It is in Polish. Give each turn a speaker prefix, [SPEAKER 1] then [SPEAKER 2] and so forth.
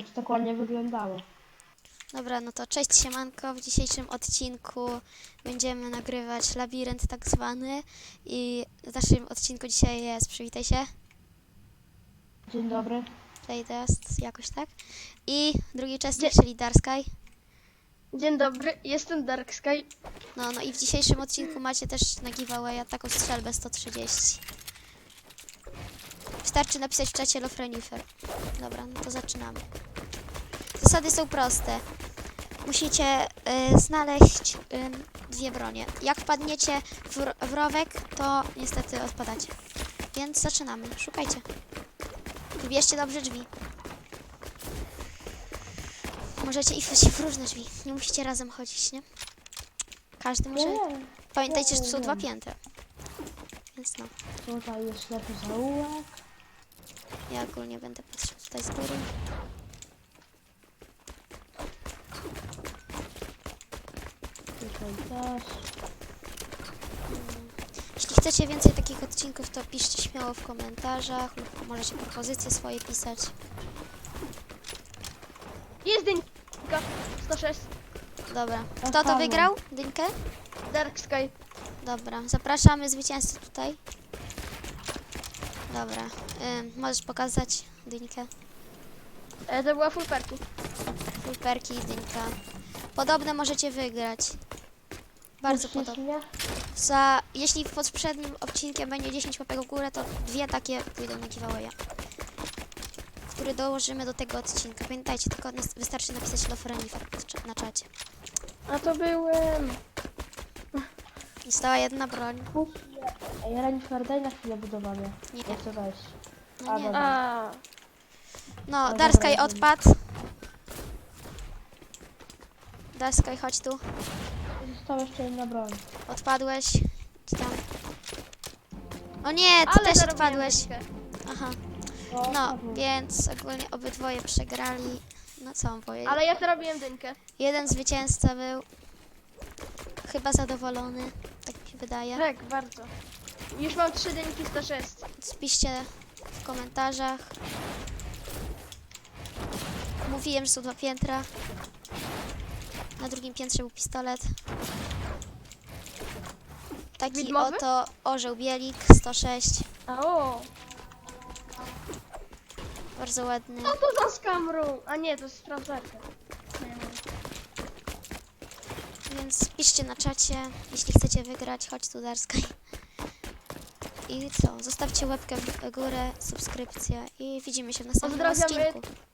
[SPEAKER 1] to tak ładnie wyglądało.
[SPEAKER 2] Dobra, no to cześć siemanko, w dzisiejszym odcinku będziemy nagrywać labirynt tak zwany i w naszym odcinku dzisiaj jest, przywitaj się,
[SPEAKER 1] Dzień dobry.
[SPEAKER 2] Playtest, jakoś tak, i drugi uczestnik,
[SPEAKER 3] Dzie-
[SPEAKER 2] czyli Darsky.
[SPEAKER 3] Dzień dobry, jestem Dark Sky.
[SPEAKER 2] No i w dzisiejszym odcinku macie też na giveawaya taką strzelbę 130. Wystarczy napisać w czacie Love Renifer. Dobra, no to zaczynamy. Zasady są proste. Musicie znaleźć dwie bronie. Jak wpadniecie w rowek, to niestety odpadacie. Więc zaczynamy. Szukajcie. Wybierzcie dobrze drzwi. Możecie iść w różne drzwi. Nie musicie razem chodzić, nie? Każdy może...
[SPEAKER 1] Nie,
[SPEAKER 2] Pamiętajcie, że to są
[SPEAKER 1] wiem.
[SPEAKER 2] dwa piętra. Więc no.
[SPEAKER 1] tutaj jest ślepy zaułek.
[SPEAKER 2] Ja ogólnie będę patrzył tutaj z góry.
[SPEAKER 1] Tutaj też.
[SPEAKER 2] Jeśli chcecie więcej takich odcinków, to piszcie śmiało w komentarzach lub możecie propozycje swoje pisać.
[SPEAKER 3] Jest dynka 106.
[SPEAKER 2] Dobra. Kto to
[SPEAKER 1] Aha,
[SPEAKER 2] wygrał? Dynkę?
[SPEAKER 3] Dark Sky.
[SPEAKER 2] Dobra. Zapraszamy zwycięzcę tutaj. Dobra. Możesz pokazać Dynkę.
[SPEAKER 3] To była full perki.
[SPEAKER 2] Fulperki i Dynka. Podobne możecie wygrać. Bardzo
[SPEAKER 1] Uczcisz
[SPEAKER 2] podobne.
[SPEAKER 1] mnie?
[SPEAKER 2] Jeśli pod poprzednim odcinkiem będzie 10 łapek w górę, to dwie takie pójdą na giveawaya, który dołożymy do tego odcinka. Pamiętajcie, tylko wystarczy napisać Love Renifer na czacie.
[SPEAKER 3] A to był...
[SPEAKER 2] Została jedna broń.
[SPEAKER 1] Ej, Renifer, daj na chwilę budowanie.
[SPEAKER 2] Nie.
[SPEAKER 1] Ja chcę wejść.
[SPEAKER 2] No nie.
[SPEAKER 1] dobra.
[SPEAKER 3] A,
[SPEAKER 2] No,
[SPEAKER 1] Ale
[SPEAKER 2] Darskaj
[SPEAKER 1] dobra,
[SPEAKER 2] odpadł. Darskaj, chodź tu.
[SPEAKER 1] Została jeszcze jedna broń.
[SPEAKER 2] Odpadłeś. Idź tam. O nie, ty
[SPEAKER 3] ale
[SPEAKER 2] też
[SPEAKER 3] zarobiłem
[SPEAKER 2] odpadłeś.
[SPEAKER 3] dynkę.
[SPEAKER 2] Aha.
[SPEAKER 1] O,
[SPEAKER 2] No,
[SPEAKER 1] Paweł.
[SPEAKER 2] więc ogólnie obydwoje przegrali. No co mam powiedzieć?
[SPEAKER 3] Ale ja zarobiłem dynkę.
[SPEAKER 2] Jeden zwycięzca był chyba zadowolony, tak mi się wydaje.
[SPEAKER 3] Tak, bardzo. Już mam 3 dynki 106.
[SPEAKER 2] Spiszcie w komentarzach. Mówiłem, że są dwa piętra. Na drugim piętrze był pistolet. Taki
[SPEAKER 3] Widmowy?
[SPEAKER 2] oto orzeł bielik 106.
[SPEAKER 3] A o,
[SPEAKER 2] Bardzo ładny.
[SPEAKER 3] co to za skamru? A nie, to jest sprawdzarka.
[SPEAKER 2] Więc piszcie na czacie, jeśli chcecie wygrać, chodź tu Darskaj. I co? Zostawcie łapkę w górę, subskrypcję i widzimy się w następnym
[SPEAKER 3] Pozdrawiamy.
[SPEAKER 2] odcinku.